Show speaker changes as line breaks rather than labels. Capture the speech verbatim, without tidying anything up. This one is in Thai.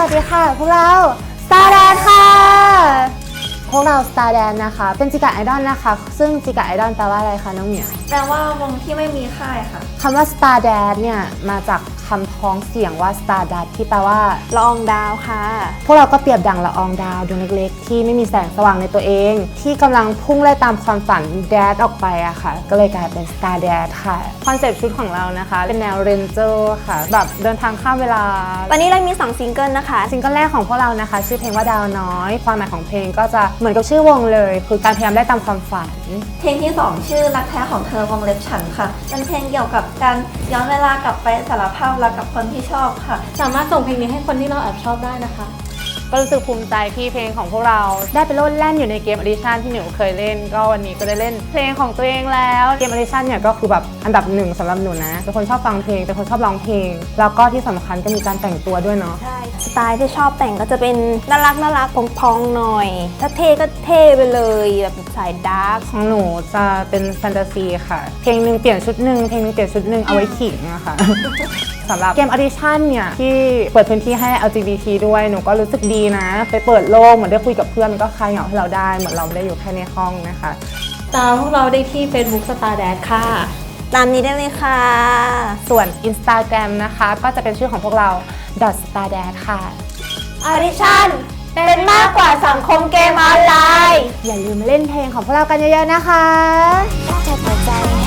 วัสดีค่ะพวกเรา Star Dance ค่ะพวกเรา Star Dance นะคะเป็นจิกะไอดอลนะคะซึ่งจิกะไอดอลแปลว่าอะไรคะน้องเหมียว
แปลว่าวงที่ไม่มีค่ายค่ะ
คำว่า Star Dance เนี่ยมาจากคำพ้องเสียงว่า Star Dust ที่แปลว่า
ละอองดาวค่ะ
พวกเราก็เปรียบดังละอองดาวดวงเล็กๆที่ไม่มีแสงสว่างในตัวเองที่กำลังพุ่งไล่ตามความฝันแดดออกไปอะค่ะก็เลยกลายเป็น Star Dance ค่ะคอนเซ็ปต์ชุดของเรานะคะเป็นแนวเรนเจอร์ค่ะแบบเดินทางข้ามเวลา
ตอนนี้เรามีสองซิงเกิลนะคะ
ซิงเกิลแรกของพวกเรานะคะชื่อเพลงว่าดาวน้อยความหมายของเพลงก็จะเหมือนกับชื่อวงเลยคือการพยายามได้ตามความฝัน
เพลงที่สองชื่อรักแท้ของเธอวงเล็บฉันค่ะเป็นเพลงเกี่ยวกับการย้อนเวลากลับไปสารภาพรักกับคนที่ชอบค่ะ
สามารถส่งเพลงนี้ให้คนที่เราแอบชอบได้นะคะ
ก็รู้สึกภูมิใจที่เพลงของพวกเราได้ไปโลดแล่นอยู่ในเกมออดิชั่นที่หนูเคยเล่นก็วันนี้ก็ได้เล่นเพลงของตัวเองแล้วเกมออดิชั่นเนี่ยก็คือแบบอันดับหนึ่งสำหรับหนูนะเป็นคนชอบฟังเพลงเป็นคนชอบร้องเพลงแล้วก็ที่สำคัญก็มีการแต่งตัวด้วยเนาะ
ใช่สไตล์ที่ชอบแต่งก็จะเป็นน่ารักน่ารักพองๆหน่อยถ้าเท่ก็เท่ไปเลยแบบสายดาร์ก
ของหนูจะเป็นแฟนตาซีค่ะเพลงหนึ่งเปลี่ยนชุดหนึ่งเพลงหนึ่งเปลี่ยนชุดหนึ่งเอาไว้ขิงอะค่ะสำหรับเกมออดิชั่นเนี่ยที่เปิดพื้นที่ให้ แอล จี บี ที ด้วยหนูก็รู้สึกดีนะไปเปิดโลกเหมือนได้คุยกับเพื่อนมันก็คลายเหงาให้เราได้เหมือนเราไม่ได้อยู่แค่ในห้องนะคะ
ตามพวกเราได้ที่ Facebook Star Dance ค่ะ
ตามนี้ได้เลยค่ะ
ส่วน Instagram นะคะก็จะเป็นชื่อของพวกเรา .stardance ค่ะ
ออดิชั่นเป็นมากกว่าสังคมเกมออนไลน์
อย่าลืมมาเล่นเพลงของพวกเรากันเยอะๆนะคะ